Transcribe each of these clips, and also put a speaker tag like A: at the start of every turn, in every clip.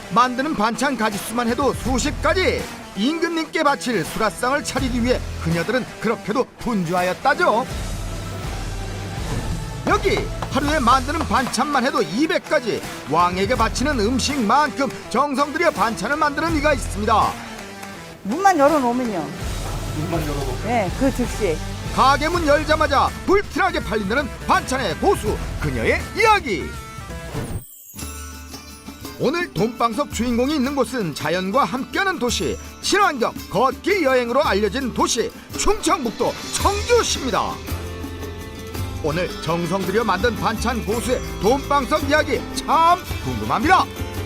A: 만드는 반찬 가짓수만 해도 수십 가지. 임금님께 바칠 수라상을 차리기 위해 그녀들은 그렇게도 분주하였다죠. 여기 하루에 만드는 반찬만 해도 200가지. 왕에게 바치는 음식만큼 정성 들여 반찬을 만드는 이가 있습니다.
B: 문만 열어놓으면요. 네, 그 즉시.
A: 가게 문 열자마자 불티나게 팔린다는 반찬의 고수 그녀의 이야기. 오늘 돈방석 주인공이 있는 곳은 자연과 함께하는 도시, 친환경 걷기 여행으로 알려진 도시 충청북도 청주시입니다. 오늘 정성 들여 만든 반찬 고수의 돈방석 이야기 참 궁금합니다.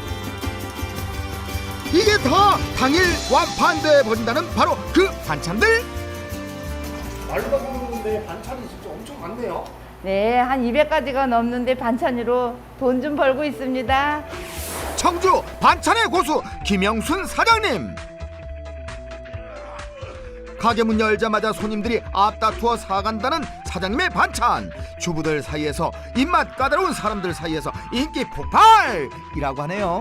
A: 이게 다 당일 완판돼 버린다는 바로 그 반찬들.
C: 말로만 모르는데 반찬이 진짜 엄청 많네요.
B: 네, 한 200가지가 넘는데 반찬으로 돈 좀 벌고 있습니다.
A: 청주 반찬의 고수 김영순 사장님. 가게 문 열자마자 손님들이 앞다투어 사간다는 사장님의 반찬. 주부들 사이에서 입맛 까다로운 사람들 사이에서 인기 폭발이라고 하네요.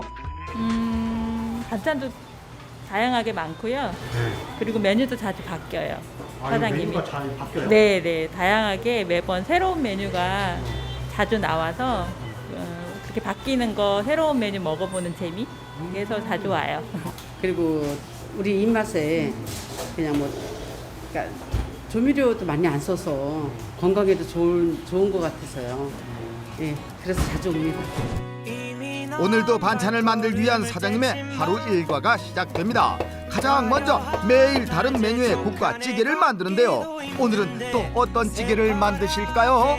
D: 반찬도 다양하게 많고요. 그리고 메뉴도 자주 바뀌어요. 사장님이.
C: 메뉴가 잘 바뀌어요?
D: 네, 다양하게 매번 새로운 메뉴가 자주 나와서 그렇게 바뀌는 거 새로운 메뉴 먹어보는 재미? 그래서 자주 와요.
E: 그리고 우리 입맛에 그냥 뭐 그러니까 조미료도 많이 안 써서 건강에도 좋은 것 같아서요. 예, 그래서 자주 옵니다.
A: 오늘도 반찬을 만들기 위한 사장님의 하루 일과가 시작됩니다. 가장 먼저 매일 다른 메뉴의 국과 찌개를 만드는데요. 오늘은 또 어떤 찌개를 만드실까요?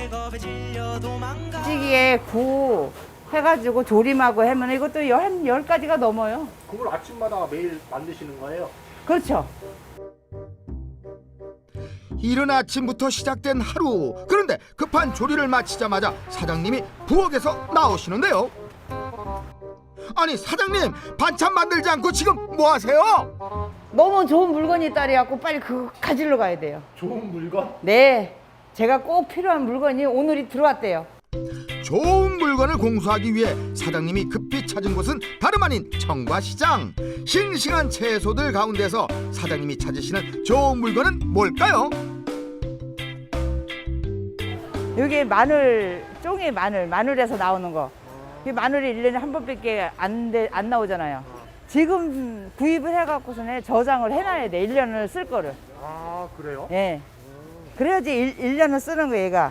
B: 찌개에 구 해가지고 조림하고 하면 이것도 한 10가지가 넘어요.
C: 그걸 아침마다 매일 만드시는 거예요?
B: 그렇죠.
A: 이른 아침부터 시작된 하루. 그런데 급한 조리를 마치자마자 사장님이 부엌에서 나오시는데요. 아니 사장님, 반찬 만들지 않고 지금 뭐 하세요?
B: 너무 좋은 물건이 있다래갖고 빨리 그거 가지러 가야 돼요.
C: 좋은 물건?
B: 네, 제가 꼭 필요한 물건이 오늘이 들어왔대요.
A: 좋은 물건을 공수하기 위해 사장님이 급히 찾은 곳은 다름 아닌 청과시장. 싱싱한 채소들 가운데서 사장님이 찾으시는 좋은 물건은 뭘까요?
B: 여기 마늘, 쫑이 마늘에서 나오는 거. 이 마늘이 1년에 한 번밖에 안 나오잖아요. 지금 구입을 해갖고서는 저장을 해놔야 돼. 1년을 쓸 거를.
C: 아, 그래요?
B: 예. 그래야지 1년을 쓰는 거 얘가.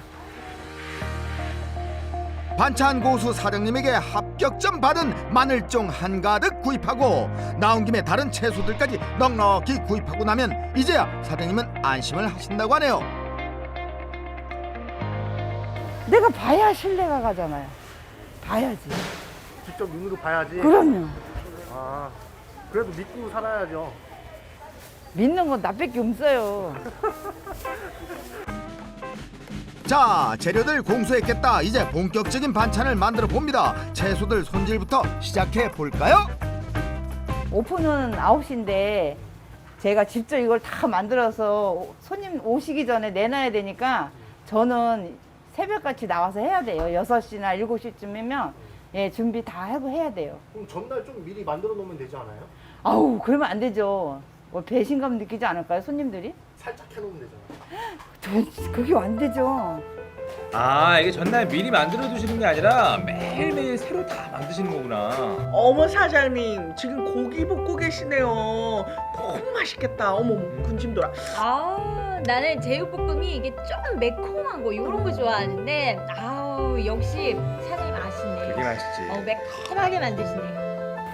A: 반찬 고수 사장님에게 합격점 받은 마늘종 한가득 구입하고 나온 김에 다른 채소들까지 넉넉히 구입하고 나면 이제야 사장님은 안심을 하신다고 하네요.
B: 내가 봐야 신뢰가 가잖아요. 봐야지.
C: 직접 눈으로 봐야지.
B: 그럼요.
C: 아, 그래도 믿고 살아야죠.
B: 믿는 건 나밖에 없어요.
A: 자, 재료들 공수했겠다. 이제 본격적인 반찬을 만들어 봅니다. 채소들 손질부터 시작해 볼까요?
B: 오픈은 9시인데 제가 직접 이걸 다 만들어서 손님 오시기 전에 내놔야 되니까 저는 새벽같이 나와서 해야 돼요. 6시나 7시쯤이면 예, 준비 다 하고 해야 돼요.
C: 그럼 전날 좀 미리 만들어 놓으면 되지 않아요?
B: 아우, 그러면 안 되죠. 뭐 배신감 느끼지 않을까요, 손님들이?
C: 살짝 해놓으면 되잖아요.
B: 그게 안 되죠.
F: 아, 이게 전날 미리 만들어 두시는 게 아니라 매일매일 새로 다 만드시는 거구나.
G: 어머 사장님 지금 고기 볶고 계시네요. 너무 맛있겠다. 어머 군침 돌아.
H: 아, 나는 제육볶음이 이게 좀 매콤한 거 이런 거 좋아하는데 아우 역시 사장님 아시네.
F: 되게 맛있지.
H: 매콤하게 만드시네.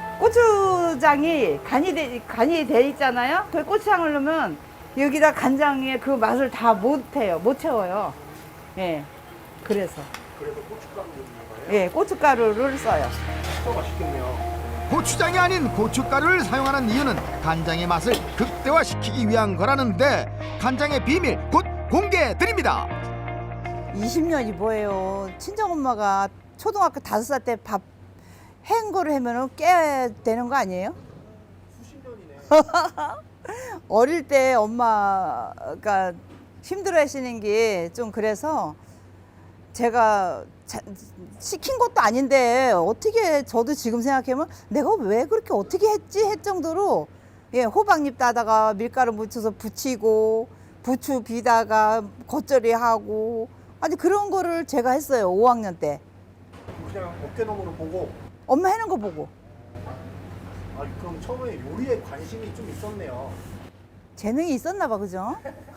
B: 고추장이 간이 돼 있잖아요. 그 고추장을 넣으면 여기다 간장의 그 맛을 다 못 채워요. 예. 그래서
C: 고춧가루 넣는 거예요?
B: 예, 고춧가루를 써요.
C: 진짜 맛있겠네요.
A: 고추장이 아닌 고춧가루를 사용하는 이유는 간장의 맛을 극대화시키기 위한 거라는데 간장의 비밀 곧 공개해 드립니다.
B: 20년이 뭐예요. 친정엄마가 초등학교 5살 때 밥 한 거를 하면은 깨 되는 거 아니에요?
C: 수십 년이네.
B: 어릴 때 엄마가 힘들어 하시는 게 좀 그래서 제가 시킨 것도 아닌데 어떻게 저도 지금 생각하면 내가 왜 그렇게 어떻게 했지 했 정도로 예, 호박잎 따다가 밀가루 묻혀서 부치고 부추 비다가 겉절이 하고 아니 그런 거를 제가 했어요. 5학년 때.
C: 그냥 어깨너머로 보고.
B: 엄마 해는 거 보고.
C: 아, 그럼 처음에 요리에 관심이 좀 있었네요.
B: 재능이 있었나 봐. 그죠?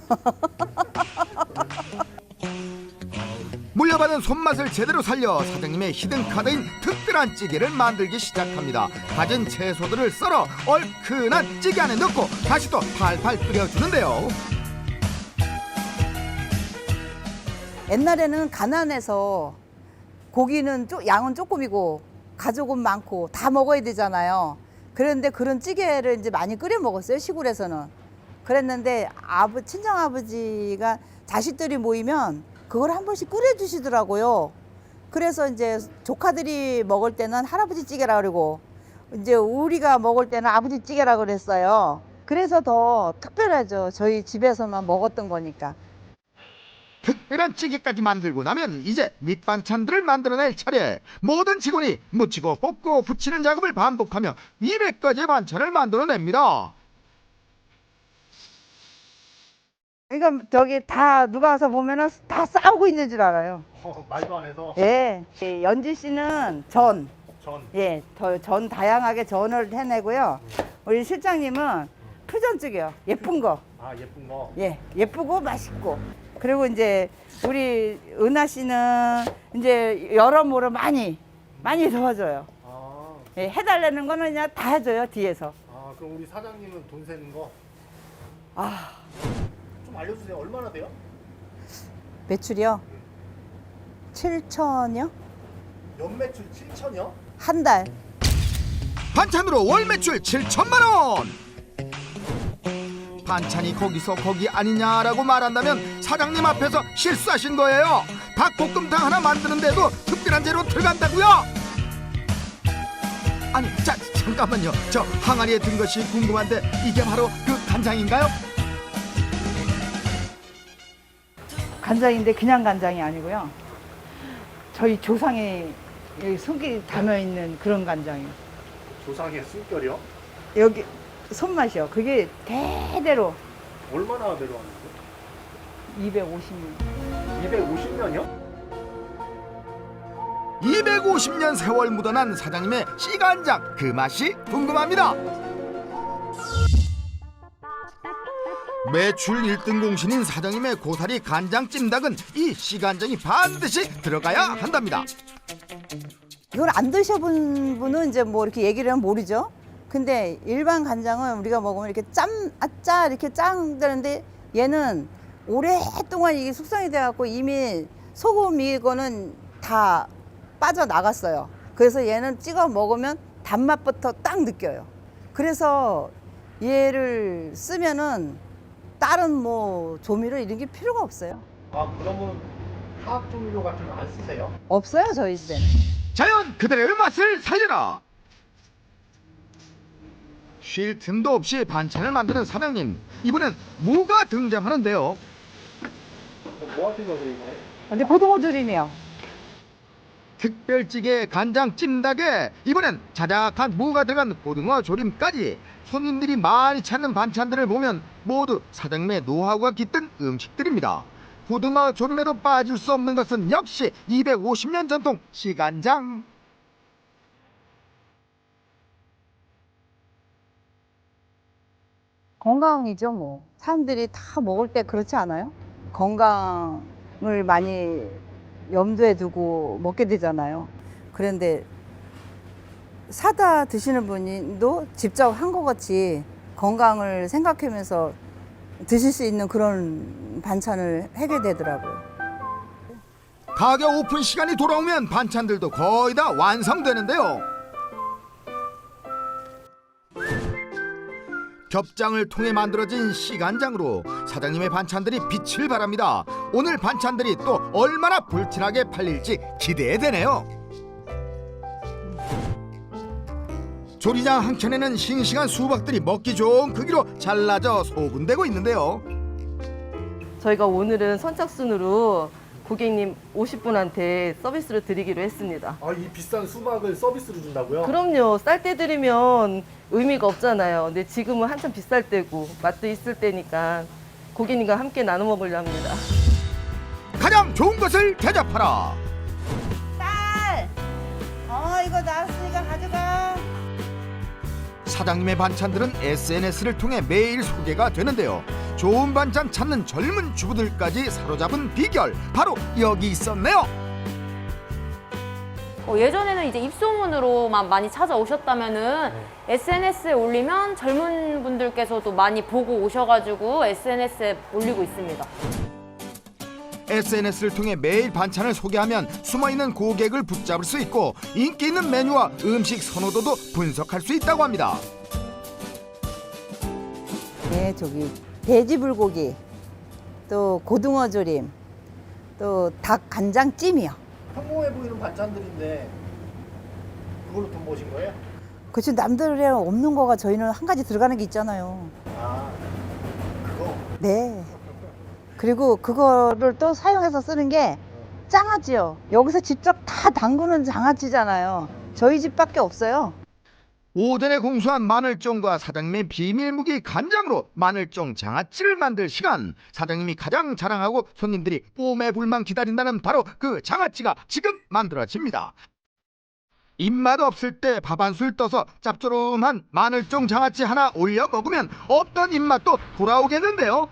A: 물려받은 손맛을 제대로 살려 사장님의 히든카드인 특별한 찌개를 만들기 시작합니다. 가진 채소들을 썰어 얼큰한 찌개 안에 넣고 다시 또 팔팔 끓여주는데요.
B: 옛날에는 가난해서 고기는 양은 조금이고 가족은 많고 다 먹어야 되잖아요. 그런데 그런 찌개를 이제 많이 끓여 먹었어요. 시골에서는. 그랬는데 친정 아버지가 자식들이 모이면 그걸 한 번씩 끓여 주시더라고요. 그래서 이제 조카들이 먹을 때는 할아버지 찌개라 그러고 이제 우리가 먹을 때는 아버지 찌개라 그랬어요. 그래서 더 특별하죠. 저희 집에서만 먹었던 거니까.
A: 특별한 찌개까지 만들고 나면 이제 밑반찬들을 만들어낼 차례. 모든 직원이 묻히고 볶고 붙이는 작업을 반복하며 200가지의 반찬을 만들어냅니다.
B: 그러니까 저기 다 누가 와서 보면은 다 싸우고 있는 줄 알아요.
C: 말도 안 해서.
B: 예. 연지 씨는 전.
C: 전.
B: 예. 전 다양하게 전을 해내고요. 우리 실장님은 퓨전찌개요. 예쁜 거.
C: 아, 예쁜 거.
B: 예. 예쁘고 맛있고. 그리고 이제 우리 은하 씨는 이제 여러모로 많이 도와줘요.
C: 아,
B: 예. 해달라는 거는 그냥 다 해줘요. 뒤에서.
C: 그럼 우리 사장님은 돈 세는 거
B: 아.
C: 좀 알려주세요. 얼마나 돼요?
B: 매출이요? 7천이요?
C: 연매출 7천이요?
B: 한 달.
A: 반찬으로 월 매출 7천만 원. 반찬이 거기서 거기 아니냐라고 말한다면 사장님 앞에서 실수하신 거예요. 닭볶음탕 하나 만드는데도 특별한 재료 들어간다고요? 아니, 잠깐만요. 저 항아리에 든 것이 궁금한데 이게 바로 그 간장인가요?
B: 간장인데 그냥 간장이 아니고요. 저희 조상의 손길이 담여있는 그런 간장이에요.
C: 조상의 숨결이요?
B: 여기 손맛이요. 그게 대대로
C: 얼마나 내려왔는데?
B: 250년.
C: 250년이요?
A: 250년 세월 묻어난 사장님의 씨간장, 그 맛이 궁금합니다. 매출 1등 공신인 사장님의 고사리 간장 찜닭은 이 씨간장이 반드시 들어가야 한답니다.
B: 이걸 안 드셔본 분은 이제 뭐 이렇게 얘기를 하면 모르죠. 근데 일반 간장은 우리가 먹으면 이렇게 아짜 이렇게 짱 되는데 얘는 오랫동안 이게 숙성이 돼갖고 이미 소금 이거는 다 빠져나갔어요. 그래서 얘는 찍어 먹으면 단맛부터 딱 느껴요. 그래서 얘를 쓰면은 다른 뭐 조미료 이런 게 필요가 없어요.
C: 그러면 화학 조미료 같은 거 안 쓰세요?
B: 없어요, 저희 집에는.
A: 자연 그대로의 맛을 살려라. 쉴 틈도 없이 반찬을 만드는 사장님. 이번엔 무가 등장하는데요.
C: 뭐 하신 거세요, 이거?
B: 근데 고등어 조림이요.
A: 특별찌개 간장 찜닭에 이번엔 자작한 무가 들어간 고등어 조림까지. 손님들이 많이 찾는 반찬들을 보면 모두 사장님의 노하우가 깃든 음식들입니다. 고등어 조림에도 빠질 수 없는 것은 역시 250년 전통 씨간장.
B: 건강이죠, 뭐. 사람들이 다 먹을 때 그렇지 않아요? 건강을 많이 염두에 두고 먹게 되잖아요. 그런데 사다 드시는 분도 직접 한 것 같이 건강을 생각하면서 드실 수 있는 그런 반찬을 하게 되더라고요.
A: 가게 오픈 시간이 돌아오면 반찬들도 거의 다 완성되는데요. 겹장을 통해 만들어진 씨간장으로 사장님의 반찬들이 빛을 발합니다. 오늘 반찬들이 또 얼마나 불티나게 팔릴지 기대되네요. 조리장 한켠에는 싱싱한 수박들이 먹기 좋은 크기로 잘라져 소분되고 있는데요.
I: 저희가 오늘은 선착순으로 고객님 50분한테 서비스로 드리기로 했습니다.
C: 아, 이 비싼 수박을 서비스로 준다고요?
I: 그럼요. 쌀 때 드리면 의미가 없잖아요. 근데 지금은 한참 비쌀 때고 맛도 있을 때니까 고객님과 함께 나눠 먹으려 합니다.
A: 가장 좋은 것을 대접하라.
B: 딸! 이거 나왔으니까 가져가.
A: 사장님의 반찬들은 SNS를 통해 매일 소개가 되는데요. 좋은 반찬 찾는 젊은 주부들까지 사로잡은 비결, 바로 여기 있었네요.
J: 예전에는 이제 입소문으로만 많이 찾아오셨다면은 SNS에 올리면 젊은 분들께서도 많이 보고 오셔가지고 SNS에 올리고 있습니다.
A: SNS를 통해 매일 반찬을 소개하면 숨어있는 고객을 붙잡을 수 있고 인기 있는 메뉴와 음식 선호도도 분석할 수 있다고 합니다.
B: 네, 저기 돼지 불고기, 또 고등어 조림, 또 닭 간장 찜이요.
C: 평범해 보이는 반찬들인데 그걸로 돈 버신 거예요?
B: 그치, 남들에 없는 거가 저희는 한 가지 들어가는 게 있잖아요.
C: 아, 그거?
B: 네. 그리고 그거를 또 사용해서 쓰는 게 장아찌요. 여기서 직접 다 담그는 장아찌잖아요. 저희 집밖에 없어요.
A: 오전에 공수한 마늘종과 사장님의 비밀무기 간장으로 마늘종 장아찌를 만들 시간. 사장님이 가장 자랑하고 손님들이 뿜에 불만 기다린다는 바로 그 장아찌가 지금 만들어집니다. 입맛 없을 때 밥 한 술 떠서 짭조름한 마늘종 장아찌 하나 올려 먹으면 없던 입맛도 돌아오겠는데요.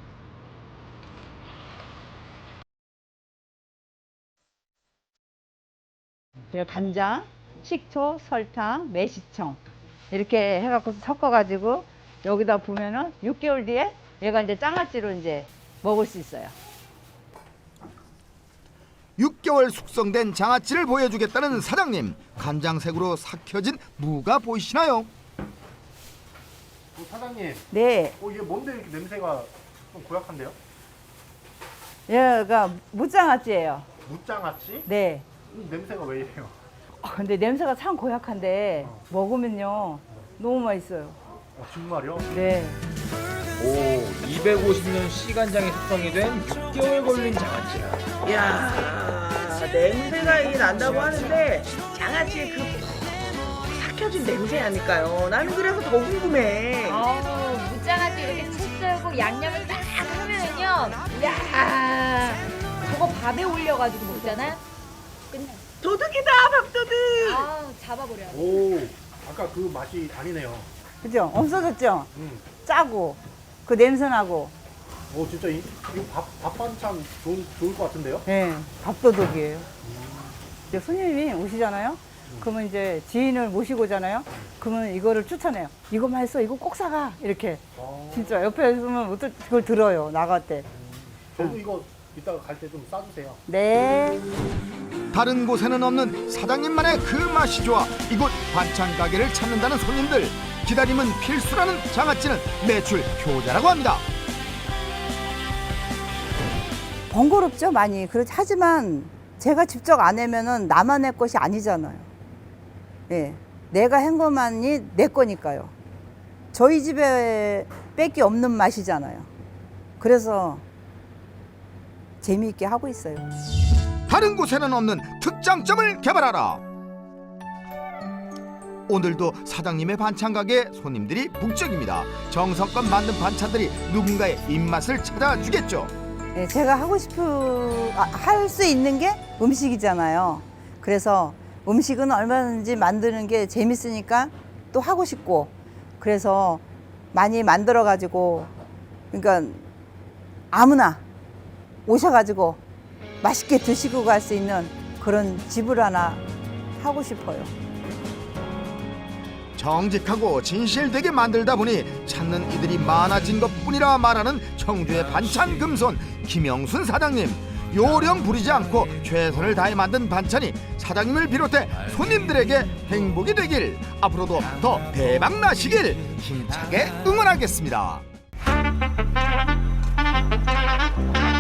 B: 간장, 식초, 설탕, 매실청 이렇게 해갖고 섞어가지고 여기다 부으면은 6개월 뒤에 얘가 이제 장아찌로 이제 먹을 수 있어요.
A: 6개월 숙성된 장아찌를 보여주겠다는 사장님. 간장색으로 삭혀진 무가 보이시나요?
C: 사장님,
B: 네,
C: 이게 뭔데 이렇게 냄새가 좀 고약한데요?
B: 얘가 무장아찌예요.
C: 무장아찌?
B: 네.
C: 냄새가 왜 이래요?
B: 근데 냄새가 참 고약한데 먹으면요 너무 맛있어요.
C: 정말요?
B: 네.
F: 오, 250년 시간장이 숙성이 된 6개월 걸린 장아찌야.
G: 이야, 냄새가 이 난다고 하는데 장아찌의 그 삭혀진 냄새 아닐까요? 나는 그래서 더 궁금해.
H: 무장아찌 이렇게 집 썰고 양념을 딱 하면은요, 야, 저거 밥에 올려가지고 먹잖아. 끝나.
G: 도둑이다, 밥도둑.
H: 잡아버려.
C: 오, 아까 그 맛이 아니네요.
B: 그죠? 없어졌죠? 짜고 그 냄새 나고.
C: 진짜 이거 밥 반찬 좋을 것 같은데요?
B: 네, 밥도둑이에요. 이제 손님이 오시잖아요. 그러면 이제 지인을 모시고 오잖아요. 그러면 이거를 추천해요. 이거 맛있어, 이거 꼭 사가. 이렇게. 진짜 옆에 있으면 어떨 그걸 들어요, 나갈 때.
C: 저도 이거 이따가 갈 때 좀 싸주세요.
B: 네.
A: 다른 곳에는 없는 사장님만의 그 맛이 좋아 이곳 반찬 가게를 찾는다는 손님들. 기다림은 필수라는 장아찌는 매출 효자라고 합니다.
B: 번거롭죠, 많이. 하지만 제가 직접 안 해면은 나만의 것이 아니잖아요. 예. 내가 한 것만이 내 거니까요. 저희 집에 뺏기 없는 맛이잖아요. 그래서 재미있게 하고 있어요.
A: 다른 곳에는 없는 특장점을 개발하라. 오늘도 사장님의 반찬 가게에 손님들이 북적입니다. 정성껏 만든 반찬들이 누군가의 입맛을 찾아주겠죠.
B: 예, 제가 할 수 있는 게 음식이잖아요. 그래서 음식은 얼마든지 만드는 게 재밌으니까 또 하고 싶고, 그래서 많이 만들어 가지고, 그러니까 아무나 오셔가지고 맛있게 드시고 갈 수 있는 그런 집을 하나 하고 싶어요.
A: 정직하고 진실되게 만들다 보니 찾는 이들이 많아진 것뿐이라 말하는 청주의 반찬 금손 김영순 사장님. 요령 부리지 않고 최선을 다해 만든 반찬이 사장님을 비롯해 손님들에게 행복이 되길, 앞으로도 더 대박 나시길 힘차게 응원하겠습니다.